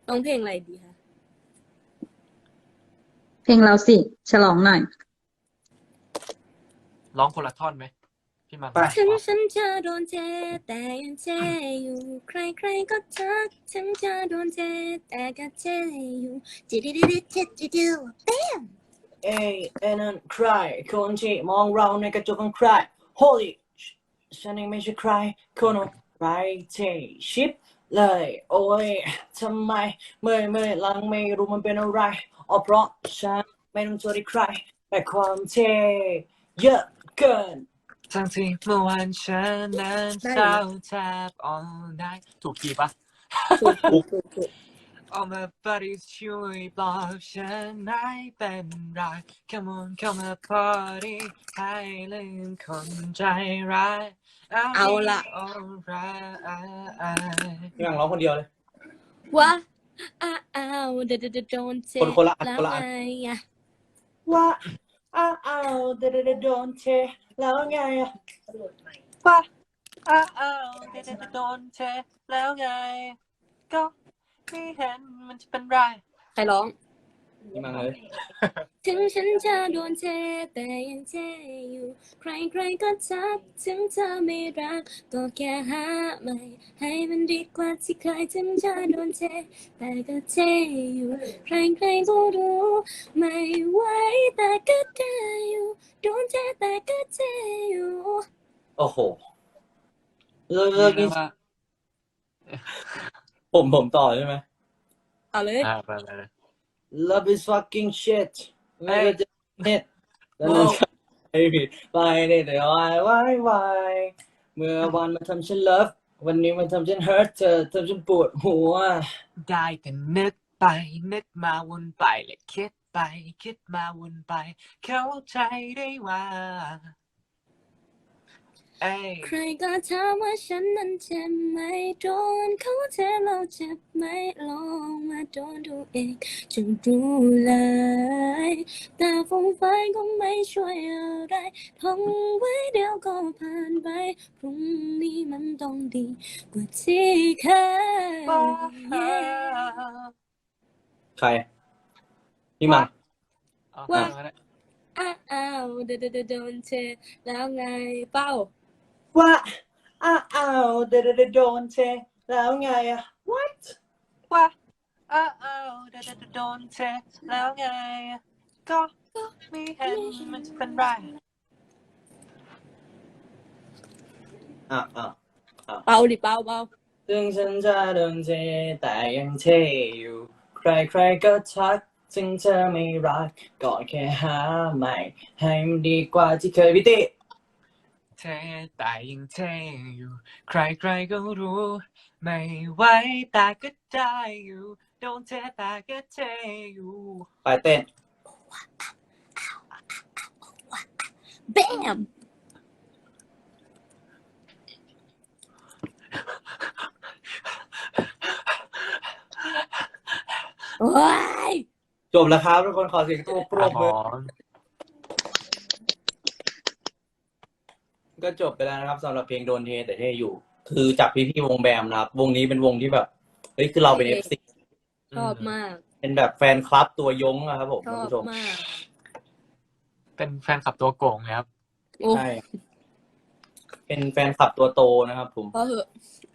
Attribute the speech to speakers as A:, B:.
A: ร้องเพลงอะไรดีคะ
B: เพลงเราสิฉลองหน่อย
C: ร้องคนละท่อนไหมพี่มัน
A: ถึงฉันจะโดนเทแต่ยังเทอยู่ใครๆก็ทักถึงจะโดนเทแต่ก็เทอยู่จิดิดิดิจิดิดิ
D: เอ้นั่นใครคนที่มองเราในกระจกของใคร Holy ฉันเองไม่ใช่ใครคนอะไรที่ชิปเลยโอ้ยทำไมเมื่อยหลังไม่รู้มันเป็นอะไรอ๋อเพราะฉันไม่ต้องโทษใครแต่ความเท่เยอะเกิน
C: ทั้งที่เมื่อวานฉันนั้นเศร้าแทบ all night ถูกคีย์ปะ
A: ถูก
C: All my buddies ช่วยปลอบฉันไม่เป็นไร Come on come on party ให้ลืมคนใจร้าย
A: เอาละ
C: alright
D: พี่มังร้องคนเดียวเลย
A: ว่าอ้าวเดดโดนเท
D: คนละอัน
A: แล้ว
D: คนละอัน
A: ไงอะ
D: ว่าเดโดนเทแล้วไงอะ
C: ว่าเดี๋ยวโดนเทแล้วไงก็ไม่เห็นมันจะเป็นไร
A: ใครร้อง
D: พี่มังเลย
A: ถึงฉันจะโดนเทแต่ยังเทอยู่ใครๆก็ทักถึงเธอไม่รักก็แค่หาใหม่ให้มันดีกว่าที่เคยถึงจะโดนเทแต่ก็เทอยู่ใครๆก็รู้ไม่ไหวแต่ก็เทอยู่โดนเทแต่ก็เทอยู่
D: โอ้โหเลิกนี่
C: ว่า
D: ผมต่อใช่ไหม
A: เอาเลย
C: ไปเลย
D: Love is fucking shit ไม่ก็จะเน็ตแล้ว
C: โอ้
D: ไอ้ผิดไปเนี่ยแต่วายเมื่อวันมาทำฉัน love วันนี้มันทำฉัน hurt เธอทำฉันปวดหัว
C: ได้แต่นึกไปนึกมาวนไปและคิดไปคิดมาวนไปเข้าใจได้ว่าเอ้ย
A: ใครก็ถามว่าฉันนั้นเจ็บไหมโดนเขาเทเราเจ็บไหมลองมาโดนดูเองจะรู้เลยแต่ฟงไฟก็ไม่ช่วยอะไรท่องไว้เดี๋ยวก็ผ่านไปพรุ่งนี้มันต้องดีกว่าที่เคย
D: ใคร พี่มัง
A: ว่าอ้าวเดโดนเทแล้วไงเป้า
D: ว่าเดี๋ยวโดนเทแล้วไงอะ what
C: ว่าเดี๋ยวโดนเทแล้วไงก็ไม่เห็นมันจะเป็นไร
A: เป้าดิเป้า
D: ถึงฉันจะโดนเทแต่ยังเทอยู่ใครๆก็ทักถึงเธอไม่รักก็แค่หาใหม่ให้มันดีกว่าที่เคยพี่ติ
C: เทแต่ยังเทอยู่ใครๆก็รู้ไม่ไหวแต่ก็ได้อยู่โดนเทแต่ก็เทอยู่
D: ไปเต้น
A: แบมโอ้ย
D: จบแล้วครับทุกคนขอเสียงตัวปรบมือก็จบไปแล้วนะครับสำหรับเพลงโดนเทแต่เทอยู่ คือจากพี่วงแบมนะครับวงนี้เป็นวงที่แบบเฮ้ยคือเราเป็น FC
A: ชอบมาก
D: เป็นแบบแฟนคลับตัวยงนะครับผม
A: ช
D: ท่าน
A: อบ
D: ผู้ชม
A: มาก
C: เป็นแฟนคลับตัวโกงครับ
A: โอ้
D: ใช่เป็นแฟนคลับตัวโตนะครับผม
A: พอเหอะ